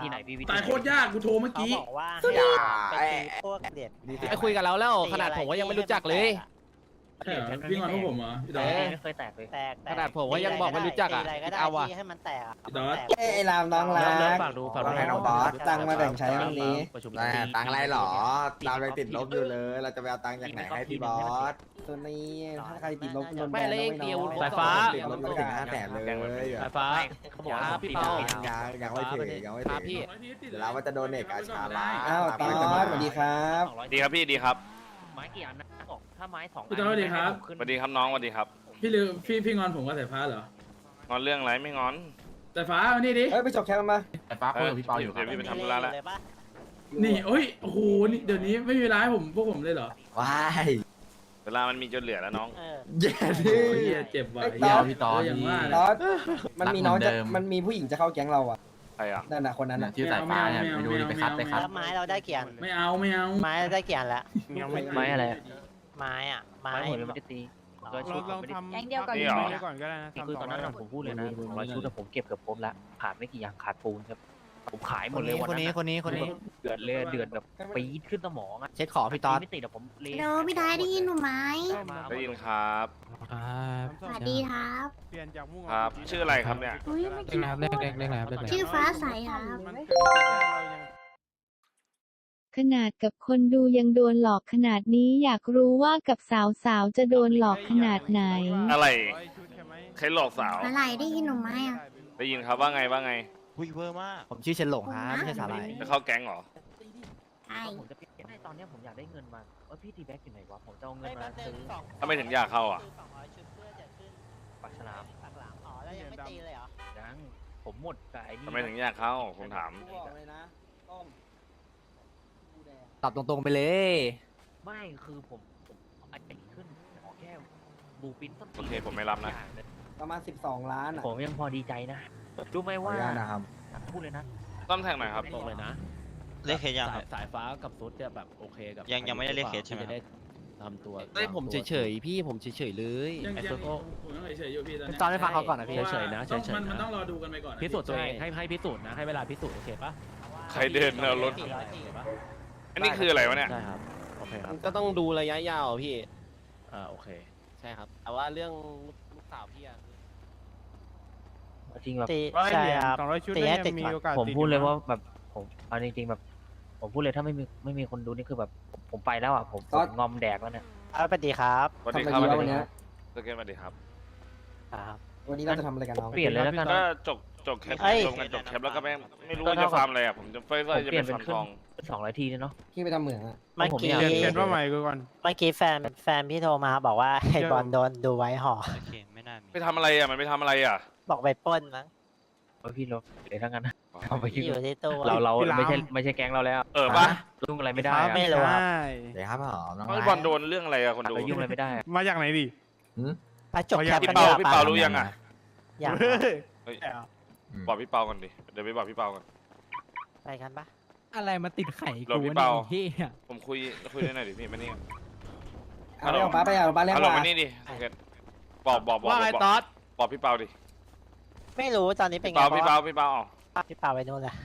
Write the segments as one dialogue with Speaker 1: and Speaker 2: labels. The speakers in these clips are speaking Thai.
Speaker 1: ธีไหนพี่วิธี
Speaker 2: ตายโคตรยากกูโทรเมื่อ
Speaker 3: เขา
Speaker 2: กี้
Speaker 3: บอกว่าให้ไปตีพวกเด็ด
Speaker 4: ไอ้คุยกับเราแล้วขนาดผมก็ยังไม่รู้จักเลย
Speaker 2: ใช่เหรอพี่งอนพวกผมเหรอพี่ดอ
Speaker 1: ไม่เคยแตกเลย
Speaker 3: แตก
Speaker 4: ขนาดผมก็ยังบอกไม่รู้จักอ่ะ
Speaker 3: ตีอะไรก็ได้
Speaker 4: เอาว่ะ
Speaker 3: ที่ให้มันแตกอะ
Speaker 2: ดอส
Speaker 3: แตก
Speaker 5: ไอ้รามน้องรัก
Speaker 1: ฝากดูฝากดู
Speaker 5: ว่าไงน้องบอสตังค์มาแบ่งใช้วันนี้
Speaker 1: ประชุม
Speaker 6: ตังค์อะไรหรอเราเลยติดลบอยู่เลย เราจะไปเอาตังค์จากไหนให้พี่บอส
Speaker 5: ตัวนี้ถ้าใครติดลบโดนแบ
Speaker 4: ไม่
Speaker 5: น
Speaker 4: เล
Speaker 5: นะ
Speaker 4: ย
Speaker 5: ไม่
Speaker 4: เดียว
Speaker 5: น้อง
Speaker 4: สายฟ้า
Speaker 6: ติดลบตั้ง500,000เลย
Speaker 4: สายฟ้า
Speaker 1: เขาบอกว่า
Speaker 4: พี่เปา
Speaker 6: ยังไม่ถึงยังไม่
Speaker 4: ค
Speaker 6: ถึ
Speaker 4: รับ
Speaker 6: ง
Speaker 4: พี่
Speaker 6: เดี๋ยวเราว่าจะโดนเอกอาชาละ
Speaker 5: อ้าวตอนสวัสดีครับ
Speaker 7: ดีครับพี่ดีครับ
Speaker 1: ไม้กี่อันนะบอกถ้าไม้2
Speaker 2: พี่ดอสสวัสดีครับ
Speaker 7: สวัสดีครับน้องสวัสดีครับ
Speaker 2: พี่ลืมพี่งอนผมกับสายฟ้าเหรอง
Speaker 7: อนเรื่องอะไรไม่งอน
Speaker 2: สายฟ้ามานี่ดิ
Speaker 5: เฮ้ยไปจบแคปมา
Speaker 6: ไอ้ฟ้าคุยกับพี่เปาอยู่ครับ
Speaker 7: เดี๋ยวพี่ไปทำธุระละ
Speaker 3: เลยปะ
Speaker 2: นี่โอ้ยโอ้โหนี่เดี๋ยวนี้ไม่มีร้ายผมพวกผมเลยเหรอ
Speaker 6: ว้าย
Speaker 7: เวลามันมีจนเหลือแล้วน้อง
Speaker 3: เออ
Speaker 6: เย็น
Speaker 2: โอ้ยเหี้ยเจ็บว่ะ
Speaker 5: เหี้ย
Speaker 6: พี่ตอน
Speaker 2: อย่างว่า
Speaker 5: ต
Speaker 2: นะ
Speaker 5: อนมันมีน้องจะ
Speaker 6: รักเหมือนเดิม
Speaker 5: มันมีผู้หญิงจะเข้าแก๊งเราอ่ะ
Speaker 7: ใครอ่ะ
Speaker 5: นั่นน่ะคนนั้นน่ะ
Speaker 6: ชื่อสายฟ้าเนี่ยไปดูดิไปคัดไปคัด
Speaker 3: แล้วไม้เราได้กี่อัน
Speaker 2: ไม่เอาไม่เอา
Speaker 3: ไม้เราได้กี่อันแล้ว
Speaker 1: ไม้อะไร
Speaker 3: ไม้อะไม้
Speaker 1: ไม้หมดเลยไม่ได้ตีก็ชุดผมไม่ได้
Speaker 8: แก๊งเดียวก่อน
Speaker 7: นี่เหรอ
Speaker 8: ก่อนก็ได้นะ
Speaker 1: คือตอนนั้นผมพูดเลยนะ200 ชุดผมเก็บเกือบครบแล้วขาดไม่กี่อย่างขาดปูนครับผมขายหมดเลยวันนั้นคนนี้เดือดเลยเดือดแบบปี๊ดขึ้นสมองอ่ะ
Speaker 4: เช็คขอพี่ตอน
Speaker 1: ไม่ติดแต่ผมเละ
Speaker 8: เดี๋ยวพี่ได้ได้ยินหนูไหม
Speaker 7: ได้ยินครับ
Speaker 8: สวัสดีครับเปลี่ยนจากมุ่ง
Speaker 7: ครับ ชื่ออะไรครับเนี่ย
Speaker 8: อุ้ยไม่กิน
Speaker 4: เล็กๆ
Speaker 8: ชื่อฟ้าใสครับมันเกิดเรายัง
Speaker 9: ขนาดกับคนดูยังโดนหลอกขนาดนี้อยากรู้ว่ากับสาวๆจะโดนหลอกขนาดไหน
Speaker 7: อะไร
Speaker 8: ชุดใช่ไหม
Speaker 7: ใครหลอกสาว
Speaker 8: อะไรได้ยินหนูไหมอ่ะ
Speaker 7: ได้ยินครับว่าไงว่าไง
Speaker 4: ผมชื่อเชนหลงครับไม่ใช่สาหร่าย
Speaker 7: จะเข้าแก๊งเหรอ
Speaker 8: ใช่
Speaker 1: ผมจะเปลี่ยนให้ตอนนี้ผมอยากได้เงินมาว่าพี่ตีแบ็กอยู่ไหนวะผมจะเอาเงิ
Speaker 3: เฮ้
Speaker 1: น
Speaker 3: ย
Speaker 1: มา
Speaker 3: แป๊บนึ
Speaker 1: ซื้
Speaker 3: ง
Speaker 1: อ
Speaker 7: ทำไมถึงอยากเข้าอ่ะ
Speaker 3: 200ชุดเพื่อจะขึ้น
Speaker 1: ปากฉลาม
Speaker 3: ปากหลังอ๋อแล้วยังไม่ตีเลยเหรอ
Speaker 1: ยังผมหมดกับไอ้นี่
Speaker 7: ทำไมถึงอยากเข้าผมถาม
Speaker 5: บอกเลยนะต้ม
Speaker 4: ตอบตรงๆไปเลย
Speaker 1: ไม่คือผมไอ้ขึ้นขอแค่บูปินต้น
Speaker 7: โอเคผมไม่รับนะ
Speaker 5: ประมาณ12 ล้านอ่ะ
Speaker 1: ผมยังพอดีใจนะรู้ไหมว่า
Speaker 6: ขออนุญาตนะครับ
Speaker 1: พูดเลยนะ
Speaker 7: ต้อมแท็กหน่อยครับ
Speaker 10: บอกเลยนะ
Speaker 11: เลขเคสยังครับ
Speaker 10: สายฟ้ากับซุดจะแบบโอเคกับ
Speaker 11: ยังไม่ได้เลขเคสใช่ไหม
Speaker 10: จะได้ทำตัว
Speaker 4: เฮ้ยผมเฉยๆพี่ผมเฉยๆเลย
Speaker 2: ยัง
Speaker 10: ไอ้
Speaker 2: ยัง
Speaker 10: ซุดก็
Speaker 2: ผมยังเฉยๆอยู่พี่ตอนเนี้ย
Speaker 4: ตอนให้ฟังเขาก่อนนะพี่
Speaker 2: พราะว่า
Speaker 10: เฉยๆนะ
Speaker 2: ต้อง
Speaker 10: เฉยๆ
Speaker 2: มัน
Speaker 10: นะ
Speaker 2: ต้องรอดูกันไปก่อนนะ
Speaker 10: พิสูจน์ตัวเอง
Speaker 2: ใช่
Speaker 10: ให้พิสูจน์นะให้เวลาพิสูจน์โอเคปะ
Speaker 7: ใครเดินเอารถ
Speaker 10: โอเคปะ
Speaker 7: อันนี้คืออะไรวะเนี่ย
Speaker 10: ใช่ครับโอเคครับ
Speaker 4: ก็ต้องดูระยะยาวพี่
Speaker 10: โอเค
Speaker 4: ใช่ครับ แต่ว่าเรื่องลูกสาวพี่อะ
Speaker 1: จริงแบบ
Speaker 3: ตี
Speaker 8: ร้อย
Speaker 3: ใช่
Speaker 8: เหรียญ
Speaker 3: ครับ
Speaker 8: 200 ชุด
Speaker 3: ตี
Speaker 8: ได้
Speaker 3: ให้
Speaker 8: ยั
Speaker 3: ติด
Speaker 8: งมี
Speaker 3: ก่อน
Speaker 8: โอกาส
Speaker 1: ผม
Speaker 8: ติด
Speaker 1: พูดเลย
Speaker 8: อ
Speaker 1: ว่าแบบผมเอาจริงๆแบบ ผมพูดเลยถ้าไม่มีคนดูนี่คือแบบผมไปแล้วอ่ะผมงอมแดกแล้วเนี่ย
Speaker 3: เอาไปดีครับ
Speaker 7: สวัสดี
Speaker 5: ทำ
Speaker 7: ค
Speaker 5: อะไร
Speaker 7: รับ
Speaker 5: ดีวะวันเนี้ย
Speaker 7: สเกตสวัสดีครับ
Speaker 1: ครับ
Speaker 5: วันนี้เราจะทำอะไรกันน้อง
Speaker 1: เปลี่ยนเลยแล้วกัน
Speaker 7: ก็จบแคป
Speaker 3: เอ้ย
Speaker 7: รวมกันจบแคปแล้วก็ไม่รู้ว่าจะฟาร์มอะไรอ่ะผมจะจะ
Speaker 1: เปลี่
Speaker 7: เป็
Speaker 1: ยน
Speaker 7: น
Speaker 1: เป็น
Speaker 7: ฟาร์ม
Speaker 1: ขึ้น
Speaker 7: ทอง
Speaker 1: 200 ทีเนี่ยเนาะ
Speaker 5: พี่ไปทำเหมืองอ่ะ
Speaker 3: เมื่อกี้
Speaker 1: ผม
Speaker 8: เป
Speaker 1: อยาก
Speaker 8: ลี่ยนว่าใหม่กูก่อน
Speaker 3: เมื่อกี้แฟนพี่โทรมาบอกว่าไอ้บอลโดนดูไว้ห่อ
Speaker 11: โอเค ไม่น่ามี
Speaker 7: ไปทำอะไรอ่ะมันไปทำอะไรอ่ะ
Speaker 3: บอกไปปล้นมั้ง
Speaker 1: พี่ลบเลยทั้งนั้นนะเอาไป
Speaker 3: ที่อยู่ที่ตู้
Speaker 1: เรา
Speaker 8: พี่ราม
Speaker 1: ไม่ใช่แก๊งเราแล้ว
Speaker 7: ปะ
Speaker 1: ยุ่งอะไรไม่ได้อะ
Speaker 3: ไม่รู้ครับ
Speaker 8: ใช่
Speaker 6: เดี๋ยวครับหอมน้อง
Speaker 7: ไอ้บอลโดนเรื่องอะไรอ่ะคนดู
Speaker 1: เรายุ่งอะไรไม่ได้อะ
Speaker 8: มาจากไหนดิ
Speaker 3: ไปจบแคป
Speaker 7: พี่
Speaker 3: กัน
Speaker 7: เปา
Speaker 3: ดีก
Speaker 7: พี่
Speaker 3: ว่า
Speaker 7: เปา
Speaker 3: ปะ
Speaker 7: รู้ยังอ่ะ
Speaker 3: อย่าง
Speaker 7: เฮ้ยบอกพี่เปาก่อนดิเดี๋ยวไปบอกพี่เปาก่อน
Speaker 3: ไปกันปะ
Speaker 10: อะไรมาติดไข่
Speaker 7: เราพี่เปา
Speaker 10: ที่
Speaker 7: ผมคุยด้วยหน่อยดิพี่มานี่
Speaker 5: เอาไปเอาป้าไปเอาป้าเรียก
Speaker 7: ฮัลโหล
Speaker 5: ว่า
Speaker 7: มานี่ดิสเกตบอก
Speaker 10: ว่าไงต๊อด
Speaker 7: บอกพี่เปาดิ
Speaker 3: ไม่รู้ตอนนี้เป็น
Speaker 7: พี่
Speaker 3: ไง
Speaker 7: เปาพี่เปาพี่เปาอ๋อ
Speaker 3: พี่เปาไปนู่นแหละ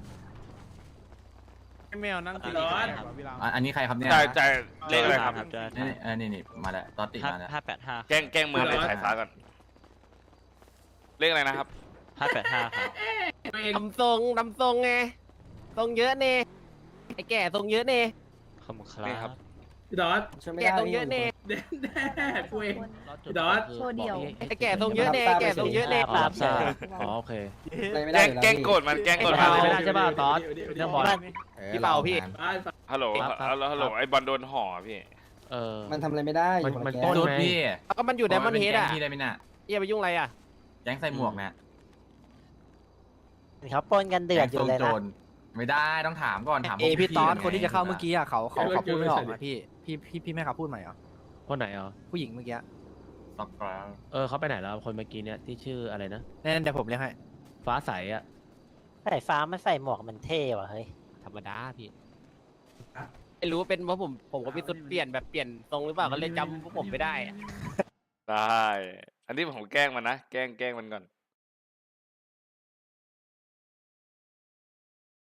Speaker 8: แมวนั่งติด
Speaker 2: ร้อน
Speaker 8: พี่ราม
Speaker 6: อันนี้ใครครับเนี่ย
Speaker 7: จ่ายเลขอะไรครับ
Speaker 6: นี่มาแล้วตอนติดมาแล้ว
Speaker 11: 585
Speaker 7: แกล้งมือเลยสายฟ้าก่อนเลขอะไรนะครับ
Speaker 11: 585ครับ
Speaker 4: ทำทรงไงทรงเยอะเน่ไอ้แก่ทรงเยอะเน่
Speaker 11: ขอบคุณค
Speaker 7: นี่ครั
Speaker 11: รับ บ
Speaker 2: พี่ดอส
Speaker 5: ช่วยไม่
Speaker 4: แก่
Speaker 5: ได้
Speaker 4: ทรงเยอะเน่
Speaker 2: แน่กูเอง พี่ดอส
Speaker 8: โชว์เดี่ยว
Speaker 4: ไอ้แก่ทรงเยอะเน่แก่ทรงเยอะเน่
Speaker 1: ครับทราบ
Speaker 10: อ๋อโอเค
Speaker 5: อะไรไม่ได้อยู่
Speaker 7: แกล้ง
Speaker 5: พี่
Speaker 7: โกรธมันแกล้งโกรธ
Speaker 10: ไม่
Speaker 7: มัน
Speaker 10: ได้ใช่ป่ะต๊อดเรื่องบอล
Speaker 4: พี่เปาพี่
Speaker 7: ฮัลโหลฮัลโหลไอ้บอลโดนห่อพี่
Speaker 5: มันทำอะไรไม่ได้อยู่
Speaker 10: มัน
Speaker 5: แก๊
Speaker 10: ปล้
Speaker 5: ง
Speaker 10: น
Speaker 6: จุดพี่
Speaker 4: ก็มันอยู่ไดมอนด์เฮดอ่ะ
Speaker 6: พี่ได้ไหมน่ะ
Speaker 4: อย่าไปยุ่งอะไรอ่ะ
Speaker 6: แก๊งใส่หมวกนะ
Speaker 3: เขาปล้นกันเดือดอยู่เลย
Speaker 6: แก๊งทรง
Speaker 3: นะ
Speaker 6: โจรไม่ได้ต้องถามก่อนถาม
Speaker 4: พี่ตอน
Speaker 6: ไง
Speaker 4: คนที่จะเข้าเมื่อกี้อ่ะเขาพูดไม่ออก
Speaker 2: เดี๋ยว
Speaker 4: อ่ะพี่แม่เขาพูดใหม่เหรอ
Speaker 10: คนไหนอ่ะ
Speaker 4: ผู้หญิงเมื่อกี้
Speaker 6: ตอบกลาง
Speaker 10: เขาไปไหนแล้วคนเมื่อกี้เนี่ยที่ชื่ออะไรนะ
Speaker 4: นั่นเดี๋ยวผมเรียกให้
Speaker 10: ฟ้าใสอ่ะ
Speaker 3: ใส่ฟ้ามันใส่หมวกมันเท่ว่ะเฮ้ย
Speaker 4: ธรรมดาพี่ไม่รู้ว่าเป็นเพราะผมก็พี่สุดเปลี่ยนแบบเปลี่ยนทรงหรือเปล่าก็เลยจำพวกผมไม่ได้อะ
Speaker 7: ได้ อันนี้ผมแกล้งมันนะแกล้งมันก่อน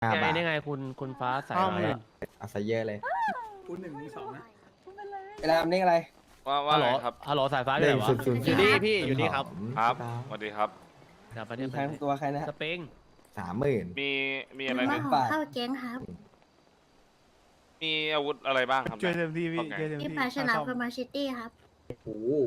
Speaker 10: ไงนี่ไงคุณฟ้าใสมาแล้ว
Speaker 6: เอาซะเยอะเลย
Speaker 2: พูด1 มี 2นะ
Speaker 5: เวลาเลขอะไร
Speaker 7: ว่า
Speaker 10: ฮัลโหล
Speaker 7: ไงครับ
Speaker 10: ฮัลโหลสายฟ้าอยู่ไหนวะ
Speaker 4: อยู่นี่พี่อยู่นี่ครับ
Speaker 7: ครับสวัสดีครับ
Speaker 10: เดี๋ยวไป
Speaker 5: มี
Speaker 10: เนี่ย
Speaker 5: ใครตัวใครนะ
Speaker 10: สปริง
Speaker 6: 30,000
Speaker 7: มีอะไร
Speaker 8: มา
Speaker 7: เนี่ย
Speaker 8: ขอเข้าแก๊งครับ
Speaker 7: มีอาวุธอะไรบ้างครับ
Speaker 8: ช่วยเต็มที่พี่
Speaker 7: โอเค
Speaker 8: ช่วยเต็ม ที่ที่ปลาฉลามกับมาชิตี้ครับ
Speaker 5: โอ้โห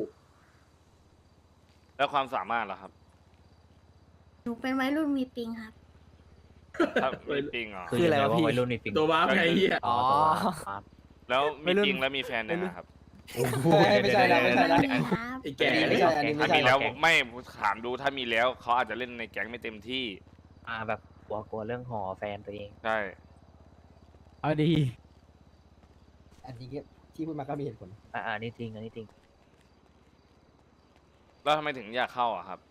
Speaker 7: แล้วความสามารถล่ะครับ
Speaker 8: หนูเป็นวัยรุ่นมีปิงครับ
Speaker 7: ถ้ามีปิงเหรอ
Speaker 1: คืออะไรวะพี่วัยรุ่นนี่ปิง
Speaker 2: ตัวบ้าไงเหี้ย
Speaker 1: อ๋อ
Speaker 7: แล้วมีปิงแล้วมีแฟนยังไงครับ
Speaker 5: ไม่ใช่นะไม่ใช่นะ
Speaker 8: ไม่มีครับ
Speaker 2: ไอ้แก่
Speaker 5: ไม่ใช่อันนี้ไม่
Speaker 7: ถ้า
Speaker 5: ใช่
Speaker 7: มีแล้วไม่ถามดูถ้ามีแล้วเขาอาจจะเล่นในแก๊งไม่เต็มที่
Speaker 1: แบบกลัวเรื่องหอแฟนตัวเอง
Speaker 7: ใช่
Speaker 8: เอาดี
Speaker 5: อันนี้ที่พูดมาก็มีเหตุผล
Speaker 1: อันนี้จริงอันนี้จริง
Speaker 7: แล้วทำไมถึงอยากเข้าอ่ะครับ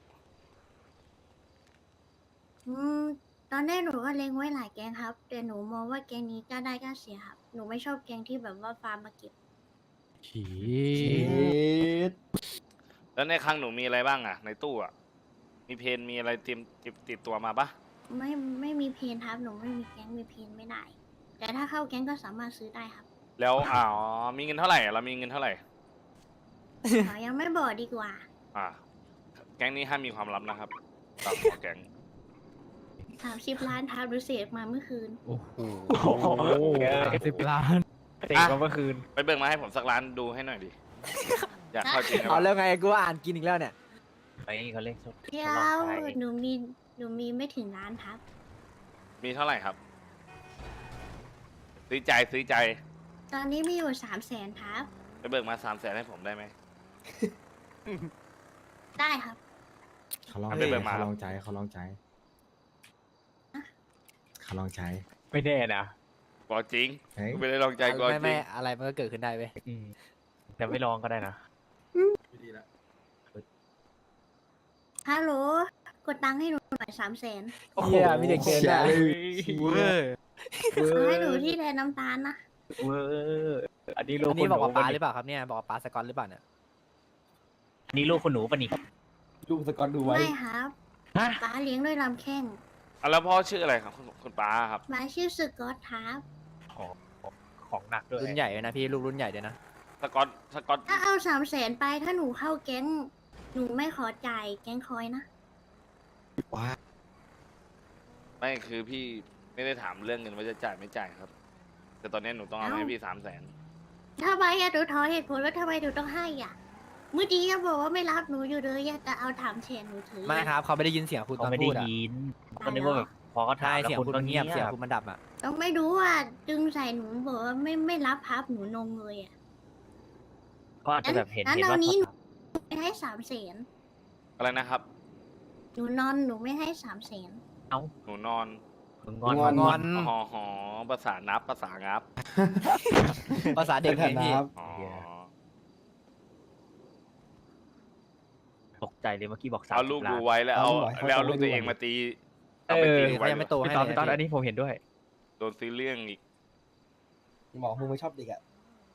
Speaker 8: ตอนแรกหนูก็เล็งไว้หลายแก๊งครับ แต่หนูมองว่าแก๊งนี้กล้าได้กล้าเสียครับ หนูไม่ชอบแก๊งที่แบบว่าฟาร์มมาเก็บฉี
Speaker 7: แล้วในคลังหนูมีอะไรบ้างอ่ะ ในตู้อ่ะมีเพนมีอะไรติดตัวมาปะ
Speaker 8: ไม่มีเพนครับ หนูไม่มีแก๊งมีเพนไม่ได้ แต่ถ้าเข้าแก๊งก็สามารถซื้อได้ครับ
Speaker 7: แล้วมีเงินเท่าไหร่เรามีเงินเท่าไหร่
Speaker 8: ขอยังไม่บอกดีกว่า
Speaker 7: แก๊งนี้ห้ามมีความลับนะครับตามหัวแก๊ง
Speaker 8: 30 ล้านครับดูเสียมาเมื่อคืน
Speaker 1: โอ้โห
Speaker 8: 10 ล้าน
Speaker 1: เตะมาเมื่อคืน
Speaker 7: ไปเบิกมาให้ผมสักล้านดูให้หน่อยดิ อยากเข้าจริงครับ
Speaker 5: เอาแล้วไงกูอ่านกินอีกแล้วเนี่ย
Speaker 1: ไปเขาเล่นชด
Speaker 8: เดี๋ยวหนูมีไม่ถึงล้านครับ
Speaker 7: มีเท่าไหร่ครับ ซื้อใจ
Speaker 8: ตอนนี้มีอยู่300,000ครับ
Speaker 7: ไปเบิกมา300,000ให้ผมได้ไหม
Speaker 8: ได้ครับ
Speaker 6: เขาลอง
Speaker 7: เอาไปเบิกมา
Speaker 6: เขาลองใจเขาลองใจเขาลองใจ
Speaker 1: ไม่แน่นะ
Speaker 7: บอกจริง
Speaker 6: เฮ้ย
Speaker 7: ไม่ได้ลองใจบอกจริง
Speaker 5: อะไรมันก็เกิดขึ้นได้เว้ย
Speaker 1: แต่ไม่ลองก็ได้นะ
Speaker 2: ดีละ
Speaker 8: ฮัลโหล กดตังค์ให้หนูหน่อย300,000
Speaker 5: เฮียมีเด็กเกินได้
Speaker 8: เอาให้หนูที่แทนน้ำตาลนะ
Speaker 1: เวอร์อันนี้ลูก
Speaker 5: อันนี้บอกว่า
Speaker 1: คุณหนู
Speaker 5: ป้าหรือเปล่าครับเนี่ยบอกว่าป้าสกอตหรือเปล่าเนี่ย
Speaker 1: อันนี้ลูกคุณหนูปะนี่
Speaker 5: ลูกสกอตดูไว้
Speaker 8: ไม่ครับ
Speaker 1: ฮะ
Speaker 8: ป้าเลี้ยงด้วยลำแข้ง
Speaker 7: แล้วพ่อชื่ออะไรครับคุณป้าครับ
Speaker 8: ป้าชื่อสกอตครับ
Speaker 1: ของหนักด้วย
Speaker 5: รุ่นใหญ่เลยนะพี่ลูกรุ่นใหญ่เลยนะ
Speaker 7: สกอต
Speaker 8: ถ้าเอา300,000ไปถ้าหนูเข้าแก๊ง หนูไม่ขอจ่ายแก๊งคอยนะ
Speaker 7: ไม่คือพี่ไม่ได้ถามเรื่องเงินว่าจะจ่ายไม่จ่ายครับ แต่ตอนนี้หนูต้องเอาให้พี่300,000
Speaker 8: ถ้าไปอะหนูขอเหตุผลว่าทำไมหนูต้องให้อ่ะ เมื่อกี้ยังบอกว่าไม่รับหนูอยู่เลยอะแต่เอาถามแทนหนูถือ
Speaker 5: ไม่ครับเขาไม่ได้ยินเสียงคุณต
Speaker 1: เขา
Speaker 5: อน
Speaker 1: ไม่ได้
Speaker 5: พูดอ่ะ
Speaker 1: ยินก็นึกว่าแบบพอเขาถ่า
Speaker 5: ใช่
Speaker 1: ยแล้ว
Speaker 5: เสียง
Speaker 1: คุณ
Speaker 5: คุณ
Speaker 1: ก็
Speaker 5: มัน
Speaker 1: เงี
Speaker 5: เงี
Speaker 1: ย
Speaker 5: ย
Speaker 1: บบ
Speaker 5: เสียงคุณมันดับอ่ะ
Speaker 8: ต้องไม่รู้ว่าดึงใส่หนูบอกว่าไม่รับพับหนูนงเลยอ่ะ
Speaker 1: ก็อาจจะแบบเห็น
Speaker 8: งั้น
Speaker 1: ว่า
Speaker 8: เอานี้
Speaker 1: เขา
Speaker 8: ไม่ให้300,000
Speaker 7: อะไรนะครับ
Speaker 8: หนูนอนหนูไม่ให้300,000
Speaker 7: หนูนอน
Speaker 1: งอน
Speaker 5: งอน
Speaker 7: หอภาษานับภาษางับ
Speaker 5: ภาษาเด็กไงพี่
Speaker 7: อ๋อ
Speaker 1: ตกใจเลยเมื่อกี้บอก
Speaker 7: เอา
Speaker 1: 30
Speaker 7: ลูก
Speaker 1: ล้า
Speaker 7: ดู
Speaker 1: น
Speaker 7: ไว้แล้วเอาลูกตัวเองมาตีเอาไปตีดู
Speaker 5: เขา
Speaker 7: ไว้
Speaker 5: ยังไม่โตให้
Speaker 1: พี่ตอน
Speaker 5: เลย
Speaker 1: พี่ตอนอันนี้ผมเห็นด้วย
Speaker 7: โดนซื้อเรื่องอีก
Speaker 5: บอกมึงไม่ชอบเด็กอ่ะ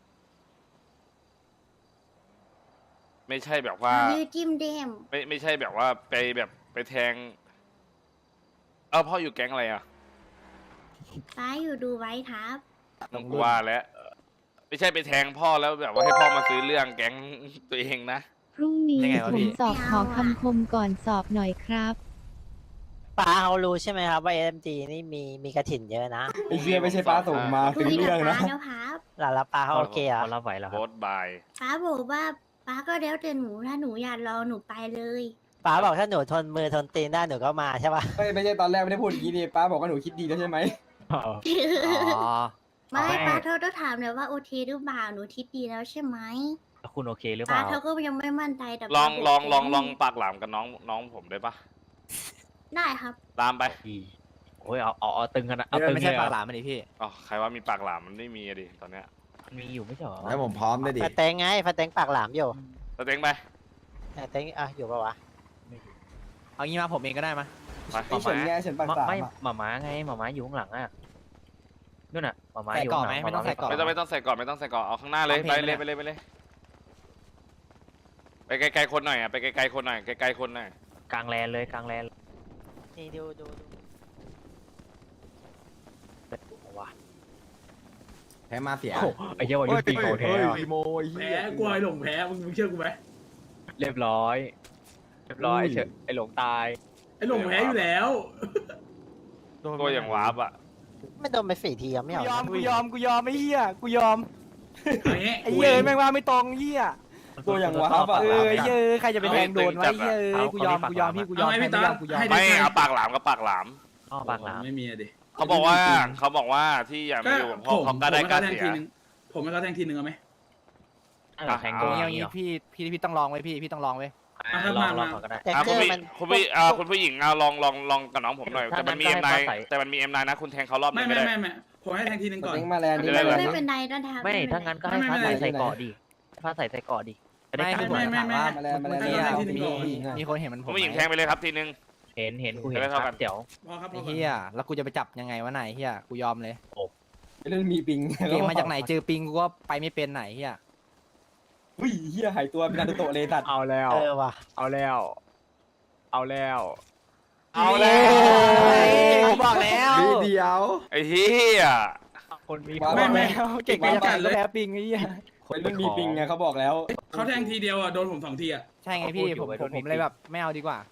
Speaker 7: ไม่ใช่แบบว่า
Speaker 8: ยืดจิ้มเดม
Speaker 7: ไม่ใช่แบบว่าไปแทงพ่ออยู่แก๊งอะไรอ่ะ
Speaker 8: ป้าอยู่ดูไว้ครับ
Speaker 7: ต้องกว่าแล้วไม่ใช่ไปแทงพ่อแล้วแบบว่าให้พ่อมาซื้อเรื่องแก๊งตัวเองนะ
Speaker 9: พรุ่งนี้
Speaker 5: ยังไงวะ
Speaker 9: ผ
Speaker 5: พี่
Speaker 9: มสอบขอคำคมก่อนสอบหน่อยครับ
Speaker 3: ป้าเขารู้ใช่ไหมครับว่า SMG นี่มีกระถิ่นเยอะนะ
Speaker 5: ไอ้เชี่ยไม่ใช่ป้าส่งมา
Speaker 8: คุ
Speaker 5: เป็น
Speaker 8: ยกับ
Speaker 5: เรื่องนะ
Speaker 8: ป้าแล้วครับ
Speaker 3: แล้วป้าเขาโอเคเหร
Speaker 1: เขา
Speaker 3: อ่ะ
Speaker 1: รับไหวแล้ว
Speaker 7: โพสต์บาย
Speaker 8: ป้าบอกว่าป้าก็แล้วแต่หนูถ้าหนูอยากรอหนูไปเลย
Speaker 3: ป้าบอกถ้าหนูทนมือทนตีนได้หนูก็มาใช่ป่ะ
Speaker 5: ไม่ใช่ตอนแรกไม่ได้พูดอย่างนี้นี่ป้าบอกว่าหนูคิดดีแล้วใช่ไหม
Speaker 8: ไม่ป้าเขาต้องถามเลยว่าโอเคหรือเปล่าหนูทิดดีแล้วใช่ไหม
Speaker 1: แล้วคุณโอเคหรือเป
Speaker 8: ป้า
Speaker 1: ล่า
Speaker 8: เขาก็ยังไม่มั่นใจแต่
Speaker 7: ลอง
Speaker 8: ป้า
Speaker 7: ลอง
Speaker 8: บก
Speaker 7: ลองลองปากหลามกับน้องผมได้ปะ
Speaker 8: ได้ครับ
Speaker 7: ตามไป
Speaker 1: โอ้ยเอาตึงกันนะเอาตึง
Speaker 5: ไม่
Speaker 1: เล
Speaker 5: ใช่
Speaker 1: ย
Speaker 5: ปากห
Speaker 1: อะ
Speaker 5: ลามมันดิพี่
Speaker 7: อ๋อใครว่ามีปากหลามมันไม่มีอะดิตอนเนี้ย
Speaker 1: มันมีอยู่ไม่ใช่เหรอ
Speaker 6: แล้วผมพร้อมด้วยดิ
Speaker 3: ฟาเตงไงฟาเตงปากหลามอยู่
Speaker 7: สเต็งไป
Speaker 3: เต็งอยู่ปะวะ
Speaker 5: เอางี้มาผมเองก็ได้มา
Speaker 7: ไป
Speaker 5: ไอ้เฉินไงเฉินปากสาม
Speaker 1: ไม่
Speaker 5: อะ
Speaker 1: หมาม้าไงหมาม้าอยู่ข้างหลังอ่ะนู่นน่ะหมาม้า
Speaker 5: ใส่
Speaker 1: อยู่
Speaker 5: กรอบ
Speaker 1: ข้างหลัง
Speaker 5: ไหมไม่ต้องใส่กรอบ
Speaker 7: ไม่ต้องใส่ก่อนไม่ต้องใส่ก่อนเอาข้างหน้าเลย
Speaker 5: เอาเพ
Speaker 7: ไป
Speaker 5: ลง
Speaker 7: เลย
Speaker 5: ไป
Speaker 7: ไป
Speaker 5: เลย
Speaker 7: เลยไปเลยไปไกลๆคนหน่อยอ่ะไปไกลๆคนหน่อยไกลๆคนหน่อย
Speaker 1: กลางแลนเลยกลางแลน
Speaker 3: นี่ดู
Speaker 6: แพ้มาเสีย
Speaker 1: โอ้ไอ้เหี้ยว่ายุติของแท้อะ
Speaker 6: อีโมไอ้เหี้
Speaker 2: แพ้
Speaker 6: ย
Speaker 2: กลัวไอ้หลงแพ้มึงเชื่อกูไหม
Speaker 1: เรียบร้อยไอ้หลงตาย
Speaker 2: ไอ้หลงแพ้อยู่แล้ว
Speaker 7: ตัวอย่างวาร์ปอ่ะ
Speaker 3: ไม่โดนไป4 ทีอะไม่เอานะ
Speaker 4: กูยอมไอ้เหี้ยกูยอม
Speaker 2: เอางี้
Speaker 4: ไอ้เหี้ยแม่งว่าไม่ตรงเหี้ย
Speaker 5: ตัวอย่างวาร์ปอะ
Speaker 4: ไอ้เหี้ยใครจะไปแทงโดนวะไอ้เหี้ยกูยอมพี่กูยอ
Speaker 2: เอา
Speaker 4: ม
Speaker 2: ไง
Speaker 4: ใคร
Speaker 2: พี่
Speaker 4: ไม่
Speaker 2: ตาย
Speaker 4: อมกูยอม
Speaker 2: ให้ได้
Speaker 7: ไม่
Speaker 2: ใจ
Speaker 7: เอาปากหลามกับปากหลาม
Speaker 1: อ้อปากหลาม
Speaker 2: ไม่มีอะดิ
Speaker 7: เขาบอกว่าที่อยากมาอยู่กับพ่อเขาก็ได้กล้าเสีย
Speaker 2: ผมให้เขาแทงทีนึงเอาไหม
Speaker 1: แทง
Speaker 4: เอา
Speaker 1: โดน
Speaker 4: อย่างงี้พี่ต้องลองไว้พี่ต้องลองไว้
Speaker 1: ลองก่อนก็ได้
Speaker 3: แต่
Speaker 7: อ่ะ
Speaker 3: เก
Speaker 7: คุ
Speaker 3: อ
Speaker 7: ณ
Speaker 3: ร์
Speaker 7: ผู้
Speaker 3: มัน
Speaker 7: คุณผู้หญิงเอาลองกับน้องผมหน่อย แต่มันมี
Speaker 1: ถ้า
Speaker 7: เอ็ม
Speaker 1: งั้
Speaker 7: ไน
Speaker 1: นก็ให้ฟ้าใส
Speaker 7: แต่มันมีเอ็มไนนะคุณแทงเขารอบนึ
Speaker 2: ไม่
Speaker 7: งก็ได้
Speaker 2: ผมให้แทงทีนึงก่อน
Speaker 5: ลิงก์มาแลนด์
Speaker 7: จะได้
Speaker 8: ไม่เป็นไรนะครับ
Speaker 1: ไม่ถ้างั้นก็ให้ฟ้าใสใส่เกาะดิฟ้าใสใส่เกาะดิจะได้
Speaker 4: ไม่
Speaker 1: กล้า
Speaker 4: คือ
Speaker 1: ห
Speaker 4: ผม
Speaker 1: น่อย
Speaker 4: ถามว่า
Speaker 5: มาแลนด์
Speaker 4: เมื่อกี้อะ
Speaker 2: ให้ทีนึงก่อน
Speaker 4: มีคนเห็นมัน
Speaker 7: คุณผู้หญิงแทงไปเลยครับทีนึง
Speaker 1: เห็นกูเห็น
Speaker 7: จะได้
Speaker 1: ค
Speaker 7: เท่ากั
Speaker 1: รับ
Speaker 7: น
Speaker 1: เดี๋ยว
Speaker 2: พอครับพ
Speaker 4: ไอ้
Speaker 2: อก่อน
Speaker 4: เหี้ยแล้วกูจะไปจับยังไงวะไหนเหี้ยกูยอมเลย
Speaker 5: เล่นมีปิง
Speaker 4: เก่งมาจากไหนเจอปิงกูก็ไปไม่เป็นไหนเหี้ย
Speaker 5: อุ้ยเหี้ยหายตัวเป็นนารูโตะเลยสัตว์
Speaker 1: เอาแล้ว
Speaker 3: ว่ะ
Speaker 1: เอาแล้ว
Speaker 4: ผมบอกแล้ว
Speaker 6: เดียว
Speaker 7: ไอ้เหี้ย
Speaker 1: คนมี
Speaker 2: ไม่
Speaker 4: เก่งมาจากไหนก็แพ้ปิงไอ้เหี้ย
Speaker 5: เล่นมีปิงไงเขาบอกแล้ว
Speaker 2: เขาแทงทีเดียวอ่ะโดนผม2 ทีอ่ะ
Speaker 4: ใช่ไงพี่ผมเลยแบบไม่เอาดีกว่า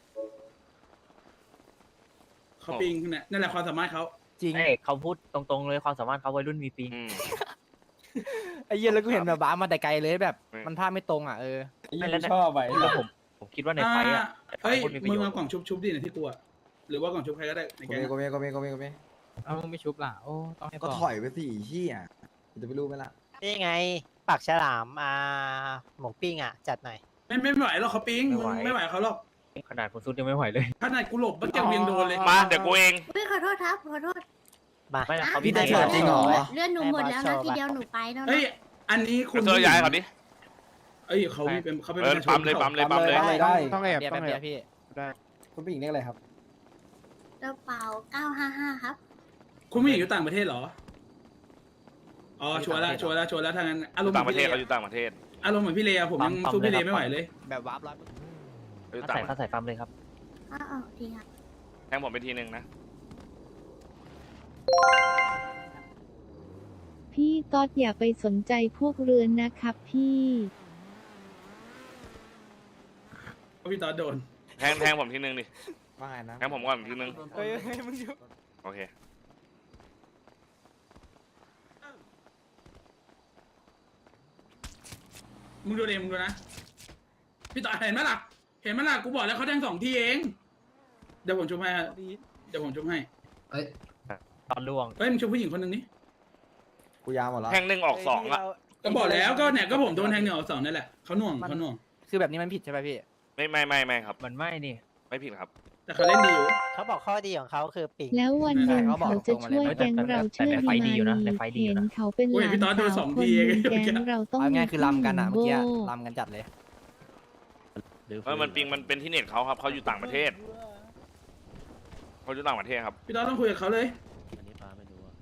Speaker 2: เขาปิงเนี่ยนั่นแหละความสามารถเขา
Speaker 4: จริง
Speaker 1: เขาพูดตรงๆเลยความสามารถเขาวัยรุ่นมีปี
Speaker 7: อืม
Speaker 4: ไอ้เหี้ยแล้วกูเห็นแบบบ้ามาแต่ไกลเลยแบบ
Speaker 7: อืม
Speaker 4: มันภาพไม่ตรงอ่ะ
Speaker 5: ไอ้เหี้ยกูชอบไป
Speaker 1: แล้วผมคิดว่าในไฟอ่ะ
Speaker 2: เฮ้ย
Speaker 1: พูดมีประ
Speaker 2: มึง
Speaker 1: โยช
Speaker 2: เอา
Speaker 1: น์
Speaker 2: กล่องชุบดิเนี่ยที่กูอ่ะหรือว่ากล่องชุบใครก็ได้ในแก๊ง
Speaker 6: โกเม
Speaker 10: เอาไม่ชุบล่ะ โอ้ต้องให้
Speaker 6: ก็ถอยไปสิเหี้ยจะไปรู้ไหมล่ะ
Speaker 3: นี่ไงปากฉลามหมูปิ้งอ่ะจัดหน่อย
Speaker 2: ไม่ไหวหรอกเขาปิงมึงไม่ไหวเขาหรอก
Speaker 1: ขนาดคุณซุดยังไม่ไหวเลย
Speaker 2: ขนาดกูหลบมันยังเวียงโดนเลย
Speaker 7: มาเดี๋ยวกูเอง
Speaker 8: ไม่ขอโทษครับขอโทษ
Speaker 3: มา
Speaker 1: ไม่นะเขา
Speaker 6: พี่
Speaker 1: พี่
Speaker 6: ได้
Speaker 1: ได้
Speaker 6: โชว์จริงเหรอ
Speaker 8: เลื่อนหนูหมดแล้วนะทีเดียวหนูไปแล้วนะ
Speaker 2: เฮ้ยอันนี้คุณ
Speaker 7: เจอย้ายก่อนดิ
Speaker 2: เอ้ยเขาเป็นประชาช
Speaker 7: ปั๊
Speaker 2: น
Speaker 7: มเลย
Speaker 5: ได้
Speaker 10: ต้องแอบ
Speaker 4: เดี๋ยว
Speaker 10: ต้
Speaker 4: แป๊
Speaker 10: อบ งแอ
Speaker 4: เดียว
Speaker 10: บ
Speaker 4: พี่
Speaker 5: คุณผู้หญิงเรียกอะไรครับ
Speaker 8: กระเป๋า955ครับ
Speaker 2: คุณผู้หญิงอยู่ต่างประเทศเหรออ๋อชัวร์แล้วทางนั้นอารมณ์
Speaker 7: ต่างประเทศ
Speaker 2: หมื
Speaker 7: เขา
Speaker 2: อน
Speaker 7: อยู่ต่างประเทศ
Speaker 2: อารมณ์เหมือนพี่เลอะผมยังสู้พี่เลไม่ไหวเลย
Speaker 4: แบบวาร์ปร้อย
Speaker 7: เขาอยู่
Speaker 1: ฟ้า
Speaker 7: ต่าง
Speaker 1: ใสฟ้าใสฟัมเลยครับ
Speaker 8: อ้าวดีครับ
Speaker 7: แทงผมไปทีนึงนะ
Speaker 9: พี่ต๊อดอย่าไปสนใจพวกเรือนนะครับพี่
Speaker 2: พี่ตอดโดน
Speaker 7: แทงผมทีนึงดิ
Speaker 6: ว่าไงนะ
Speaker 7: แทงผมก่อนทีนึง
Speaker 4: เฮ้ยมึงอยู่
Speaker 7: โอเค
Speaker 2: มึงดูเองมึงดูนะพี่ตอดเห็นไหมล่ะกูบอกแล้วเขาแทง2 ทีเองเดี๋ยวผมชุบให้
Speaker 1: ตอนล่วง
Speaker 2: เฮ้ยมึงชุบผู้หญิงคนหนึ่งนี่
Speaker 6: กูยาวหมดแล้ว
Speaker 7: แทง1 ออก 2อ่ะ
Speaker 2: ก็บอกแล้วก็เนี่ยก็ผมโดนแทง1 ออก 2นั่นแหละเขาหน่วง
Speaker 4: คือแบบนี้มันผิดใช่ไหมพี่
Speaker 7: ไม่ครับ
Speaker 1: มันไม่นี่
Speaker 7: ไม่ผิดครับ
Speaker 2: แต่เขาเล่นดีอยู่
Speaker 3: เขาบอกข้อดีของเขาคือปิง
Speaker 9: แล้ววันหนึ่ง
Speaker 4: เขาบอก
Speaker 9: เขาจะ
Speaker 4: ตรงมาเลย
Speaker 9: ช่วยแก๊งเราเชื่อดีมานีเห็นเขาเป็นหลานสาวคนหนึ่งแก๊งเราต้อง
Speaker 4: เอา
Speaker 9: มี
Speaker 4: ง่ายคือลำกันอ่ะเมื่อกี้
Speaker 9: โบ้
Speaker 4: ลำกันจัดเลย
Speaker 7: มันปิงมันเป็นที่เน็ตเขาครับเขาอยู่ต่างประเทศเขาอยู่ต่างประเทศครับ
Speaker 2: พี่ตอดต้องคุยกับเขาเลย
Speaker 10: อันนี้ฟ้าไม่รู้อะ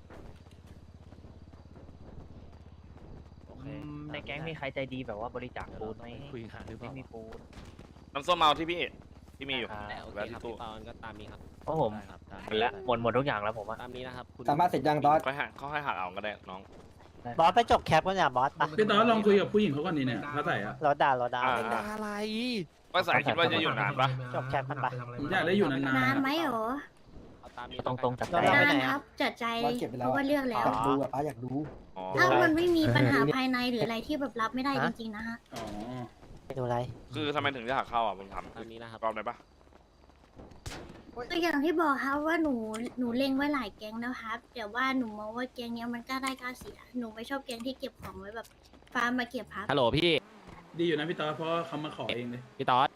Speaker 10: โอเค
Speaker 1: ในแก๊งมีใครใจดีแบบว่าบริจาคปูนไหม
Speaker 10: คุยหาหรือเป
Speaker 1: ไม่
Speaker 10: ล่า
Speaker 1: มีปูน
Speaker 7: น้ำส้มเมาที่พี่มีอยู่
Speaker 10: โอเค
Speaker 7: แล้ว
Speaker 10: ครั
Speaker 7: ที่
Speaker 10: บ
Speaker 7: ตู้
Speaker 10: พี่ปอนก็ตามนี้ครับ
Speaker 1: เพราะผม
Speaker 10: ได้ครับตาม
Speaker 1: หมดแล้วหมดทุกอย่างแล้วผมว่า
Speaker 10: ตามนี้นะครับคุณ
Speaker 5: สามารถเสร็จยังตอส
Speaker 7: เขาให้หักเอาก็ได้น้อง
Speaker 3: บอสไปจบแคปกันเนี่ยบอสปะ
Speaker 2: พี่ตอดลองคุยกับผู้หญิงเขาก่อนนี่เนี่ยเขาใส่อะ
Speaker 3: รถด่า
Speaker 4: อะไร
Speaker 7: ว่าสายคิดว่าจะอยู่นานปะ
Speaker 3: จบแคปมันปะ
Speaker 2: ผมอยากได้อยู่นาน
Speaker 8: นานไหมเหรอ
Speaker 10: เอาตามนี้
Speaker 1: ตรงๆจัด
Speaker 3: เรา
Speaker 1: ใจ
Speaker 3: ไป
Speaker 8: นาน
Speaker 3: ไหน
Speaker 8: ค
Speaker 3: อะ
Speaker 8: รับจัดใจ
Speaker 5: บอสเก็บไป
Speaker 8: เพ
Speaker 5: แล้ว
Speaker 8: ราะว่าเลือกแล้ว
Speaker 5: อยากดูอ่ะป้าอยากดู
Speaker 7: อ๋อ
Speaker 8: ถ้ามันไม่มีปัญหาภายในหรืออะไรที่แบบรับไม่ได้จริงๆนะฮะ
Speaker 2: ๆอ๋อ
Speaker 3: ไปดูอะไร
Speaker 7: คือทำไมถึงจะหักเข้าอ่ะผมถาม
Speaker 10: ตามนี้นะครับ
Speaker 7: รอบได้ปะ
Speaker 8: ก็อย่างที่บอกครับว่าหนูเล็งไว้หลายแก๊งแล้วครับแต่ว่าหนูมองว่าแก๊งเนี้ยมันกล้าได้กล้าเสียหนูไม่ชอบแก๊งที่เก็บของไว้แบบฟาร์มมาเก็บครับ
Speaker 10: ฮัลโหลพี่
Speaker 2: ดีอยู่นะพี่ตอดเพราะเขามาขอเองเลย
Speaker 10: พี่ต๊อด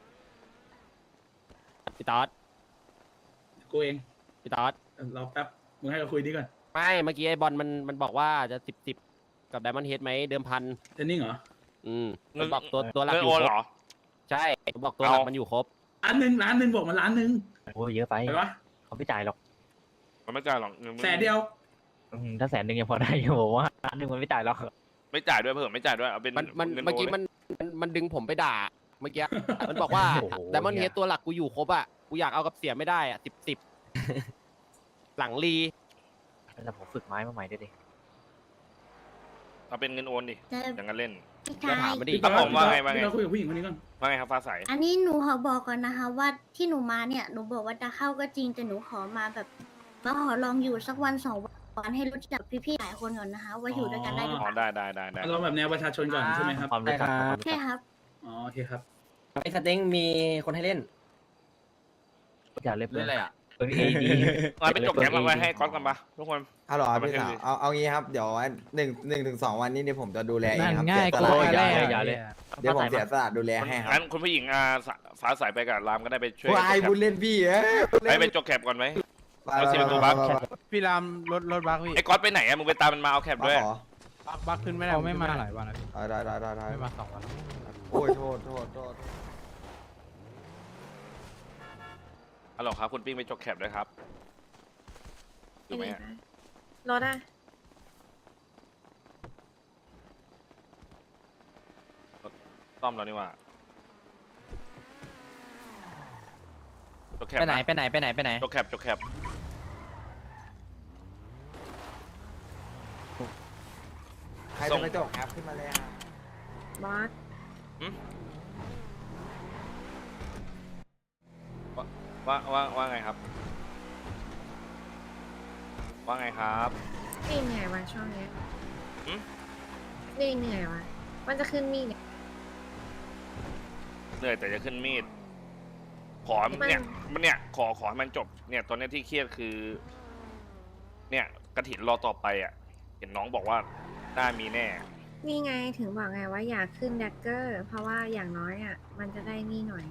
Speaker 10: พี่ต๊อด
Speaker 2: กูเอง
Speaker 10: พี่ต๊อด
Speaker 2: รอแป๊บมึงให้เขาคุยดีก่อน
Speaker 10: ไม่เมื่อกี้ไอ้บอลมันบอกว่าจะ10กับไดมอนด์เฮดไหมเดิมพัน
Speaker 2: เทนนิ่งเหรอ
Speaker 10: มันบอกตัวหลัก
Speaker 7: เงิน
Speaker 10: อ
Speaker 7: โอยู่ น
Speaker 10: ค
Speaker 7: เห
Speaker 10: ร
Speaker 7: ร
Speaker 10: บ
Speaker 7: อ
Speaker 10: ใช่มันบอกตัวหลัก
Speaker 7: เอามั
Speaker 10: มันอยู่ครบ
Speaker 2: ล้านหนึ่งบอกมาล้านหนึ่ง
Speaker 1: โอ้ยเยอะไป
Speaker 2: ไปวะ
Speaker 1: เขาไม่จ่ายหรอก
Speaker 7: มันไม่จ่ายหรอกเงิน
Speaker 2: แสนเดียว
Speaker 1: ถ้า100,000ยังพอได้อยู่ผมว่า1,000มันไม่จ่ายหรอก
Speaker 7: ไม่จ่ายด้วยเผื่อไม่จ่ายด้วยเอาเป็น
Speaker 10: มัน
Speaker 7: งิ
Speaker 10: เมื่อกี้
Speaker 7: โล
Speaker 10: มันดึงผมไปด่าเมื่อกี้ มันบอกว่าไดมอนด์เฮดตัวหลักกูอยู่ครบอ่ะกูอยากเอากับเสียไม่ได้อ่ะ10 หลังรี
Speaker 1: แต่ผมฝึกไม้มาใหม่ด้วยดิ
Speaker 7: เอาเป็นเงินโอนดิ
Speaker 8: แต่
Speaker 7: อย่างนั้นเล่น
Speaker 8: พี่
Speaker 10: ก็
Speaker 8: ชาย
Speaker 10: ถามมาดิ
Speaker 7: ครับผมว่าไงว่าไง
Speaker 2: พี่เราคุยกับผู้หญิงคนนี้ก่อน
Speaker 7: ว่าไงครับฟ้าใส
Speaker 8: อันนี้หนูขอบอกก่อนนะคะว่าที่หนูมาเนี่ยหนูบอกว่าจะเข้าก็จริงแต่หนูขอมาแบบมาขอลองอยู่สักวันสองวันให้รู้จักพี่ๆหลายคนก่อนนะคะ ว่าอยู่ด้วยกันได้หรือ
Speaker 7: อ๋
Speaker 8: เป
Speaker 7: อ
Speaker 8: ล่า
Speaker 7: ได้
Speaker 2: เราแบบแนวประชาชนก่อนใช่ไหมครับ
Speaker 1: ความรู้จักความรู้
Speaker 8: ใช่
Speaker 1: จัก
Speaker 8: ครับ
Speaker 2: อ๋อโอเคครับ
Speaker 5: ไอ้สเต็งมีคนให้เล่น
Speaker 1: อยากเล่น
Speaker 10: เล่นอะไรอ่ะ
Speaker 1: เปิดเอดี
Speaker 7: มาไปจบแกมมาไว้ให้ก๊อตกันปะทุกคน
Speaker 6: ฮัลโหลครับ
Speaker 7: เอามา
Speaker 6: พี่สาว
Speaker 7: ให้ดู
Speaker 6: เอางี้ครับเดี๋ยวหนึ่งถึงสองวันนี้เดี๋ยวผมจะดูแลเองครับ
Speaker 5: ง่าย
Speaker 6: เสียส
Speaker 5: ก
Speaker 6: ละ
Speaker 5: ว่า
Speaker 1: อย่าเลย
Speaker 6: เดี๋ยวผมเสียสละดูแลให้ครับ
Speaker 7: งั้นคุณผู้หญิงฟ้าใสไปกับรามก็ได้ไปช่วย
Speaker 6: ผู้อายพูดเล่นพี่เอ้ย
Speaker 7: ไปจบแคปก่อนไหม เอาสิเป็นตัวบัค
Speaker 5: พี่รามรถบักพี่
Speaker 7: ไอ้ก๊อตไปไหนอะมึงไปตามมันมาเอาแคปด้วย
Speaker 6: ขอ
Speaker 5: บักขึ้นไม่ได้ไม่มาหลายวัน
Speaker 6: ได้
Speaker 5: ไม่มา2 วัน
Speaker 6: โอ้ยโทษ
Speaker 7: ฮัลโหลครับคุณปิ้งไปจบแคปด้วยครับอยู่ไหมอะ
Speaker 8: รถอะ
Speaker 7: ซ่อมแล้วนี่หว่าจบแคป
Speaker 4: ไปไหน
Speaker 7: นะ
Speaker 4: ไปไหนไปไหนไปไหน
Speaker 7: จบแคป
Speaker 6: ใครจะไปจบแอปขึ้นมาเลยครับ
Speaker 8: บอส
Speaker 7: ว่าไงครับ ว่าไงครับ
Speaker 8: นี่เหนื่อยวะช่วงนี้
Speaker 7: หืม
Speaker 8: นี่เหนื่อยวะว่าจะขึ้นมีด
Speaker 7: เหนื่อยแต่จะขึ้นมีด ขอเนี่ยขอให้มันจบ เนี่ยตอนนี้ที่เครียดคือ เนี่ยกระถินรอต่อไปอ่ะ เห็นน้องบอกว่าน่ามีแน่
Speaker 8: นี่ไงถึงบอกไงว่าอยากขึ้นแดกเกอร์ เพราะว่าอย่างน้อยอ่ะมันจะได้นี่หน่อย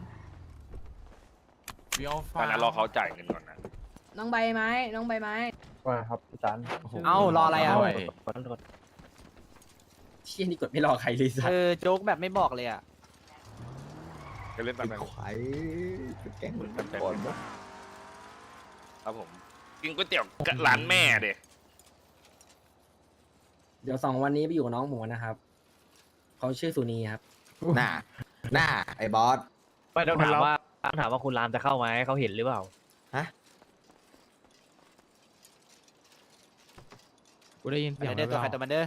Speaker 7: ตอนนั้นรอเขาจ่ายเงินก่อนนะ
Speaker 5: น้องใบไม้
Speaker 1: ว่าครับพี่จัน
Speaker 5: เอ้ารออะไรอ่ะ
Speaker 1: ขอโทษ
Speaker 5: เชี่ยนี่กดไม่รอใครเลยสัตว์
Speaker 4: โจ๊กแบบไม่บอกเลยอ่ะ
Speaker 7: จะเล่นตามแบบ
Speaker 6: ไข่แกงมันก่อนวะ
Speaker 7: ครับผม กินก๋วยเตี๋ยวกับร้านแม่เด็
Speaker 5: เดี๋ยว2 วันนี้ไปอยู่กับน้องหมูนะครับเขาชื่อสุนีครับ
Speaker 6: หน้าไอ้บอส
Speaker 1: ไม่ต้องถามว่าคุณรามจะเข้าไหมเขาเห็นหรือเปล่า
Speaker 5: กูได้ยินเสียง
Speaker 4: เดี๋ยวตัวใครตัวมันเด้อ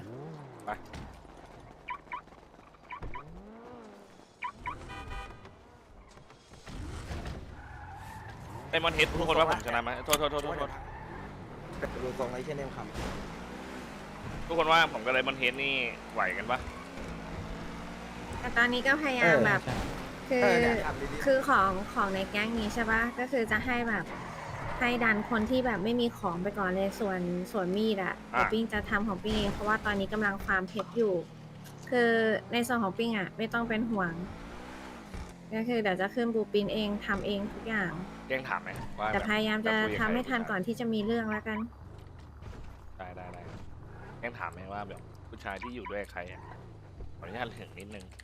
Speaker 7: ไอ้มอนเฮดทุกคนว่าผมชนะไหมโทษ
Speaker 6: ดูทรงไอ้เช่นเดิมค
Speaker 7: ทุกคนว่าผมกับไอ้มอนเฮดนี่ไหวกันปะ
Speaker 8: แต่ตอนนี้ก็พยา
Speaker 6: ำ
Speaker 8: ยามแบบคือ
Speaker 6: เนี่ยทำดีๆ
Speaker 8: คือของในแก๊งนี้ใช่ปะก็คือจะให้แบบให้ดันคนที่แบบไม่มีของไปก่อนเลยส่วนมีดอะเดี๋ยวปิ้งจะทำของปิ้งเองเพราะว่าตอนนี้กำลังฟาร์มเพชรอยู่ คือในส่วนของปิ้งอะไม่ต้องเป็นห่วงก็คือเดี๋ยวจะขึ้นบูปินเองทำเองทุกอย่าง
Speaker 7: แกล้งถามไหมว่า
Speaker 8: แต่พยายามจะ
Speaker 7: คุยกับ
Speaker 8: ทำให้
Speaker 7: ใคร
Speaker 8: ทันก่อนที่จะมีเรื่องแล้วกัน
Speaker 7: ได้แกล้งถามไหมว่าแบบผู้ชายที่อยู่ด้วยใครอ่ะขออนุญาตถึงนิดนึง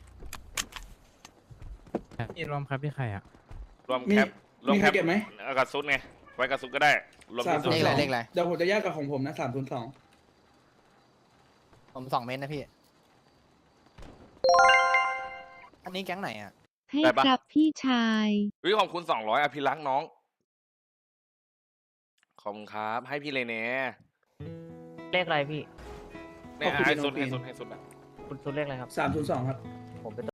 Speaker 5: นี่รวมครับพี่ใครอ่ะ
Speaker 7: รวมแคปรวม
Speaker 2: มี
Speaker 7: แค
Speaker 2: ใคร
Speaker 7: ป
Speaker 2: เก็บไหม
Speaker 7: เอากับซุดไงไว้กับซุดก็ได้รวมที่ซุด
Speaker 4: เลขอะไรเลขอะไร
Speaker 2: เดี๋ยวผมจะแยกกับของผมนะ302
Speaker 4: ผม2 เมตรนะพี่ อันนี้แก๊งไหนอ่ะ
Speaker 9: ให้ครับพี่ชาย
Speaker 7: วิขอบคุณ200อภิรักษ์น้องขอบคุณครับ ให้พี่เลยเน่
Speaker 1: เลขอะไรพี่
Speaker 7: เนี่ยให้ซุดนะ
Speaker 1: คุณซุนเลขอะไรครับ
Speaker 2: 302ครับ
Speaker 1: ผมเป็น